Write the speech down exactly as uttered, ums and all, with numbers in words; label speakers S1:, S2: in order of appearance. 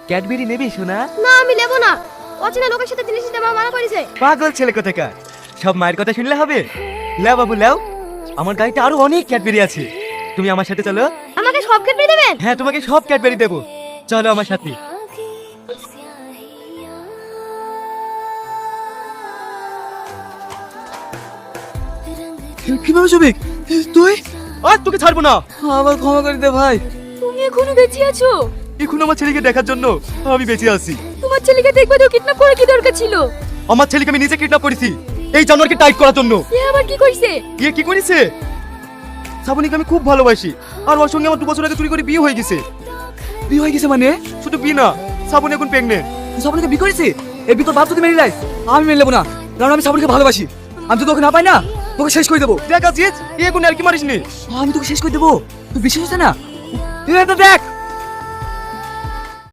S1: Cadbury নেবি সোনা?
S2: না আমি নেব না, অচেনা লোকের সাথে জিনিস নিতে মা মানা করেছে।
S1: পাগল ছেলে কোথাকার, সব মায়ের কথা শুনলে হবে? লাও বাবু লাও, আমার গাড়িতে আরো অনেক ক্যাডবেরি আছে, তুমি আমার সাথে চলো।
S2: আমাকে সব খেতে দেবেন?
S1: হ্যাঁ তোমাকে সব ক্যাডবেরি দেবো, চলো আমার সাথে।
S3: কিভাবে যাবে তুই?
S1: আর তোকে ছাড়বো না।
S3: আমার ক্ষমা করে দে ভাই।
S2: তুমি এখনো বেঁচে আছো?
S1: এখন আমার ছেলেকে দেখার জন্য আমি বেঁচে আছি।
S2: তোমার ছেলেকে দেখবে তো কিডন্যাপ করে কি দরকার ছিল?
S1: আমার ছেলেকে আমি নিজে কিডন্যাপ করেছি এই জানোয়ারকে টাইট করার জন্য।
S2: এ আবার কি কইছে?
S1: এ কি করেছে? শ্রাবণীকে আমি খুব ভালোবাসি, আর ওর সঙ্গে আমার দু বছর আগে চুরি করে বিয়ে হয়ে গেছে।
S3: বিয়ে হয়ে গেছে মানে?
S1: শুধু বিয়ে না, শ্রাবণী এখন প্রেগনেন্ট।
S3: শ্রাবণীকে বিয়ে করেছে? এই বিয়ে তোর বাপ যদি মেনে নেয় আমি মেনে নেবো না, কারণ আমি শ্রাবণীকে ভালোবাসি। আমি যদি তোকে না পাই না তোকে শেষ করে দেবো।
S1: দেখ আজিজ, এ এখন আর কি মারিস নি।
S3: আমি তোকে শেষ করে দেবো, তুই বিশ্বাস হচ্ছে না? তুই এটা দেখ।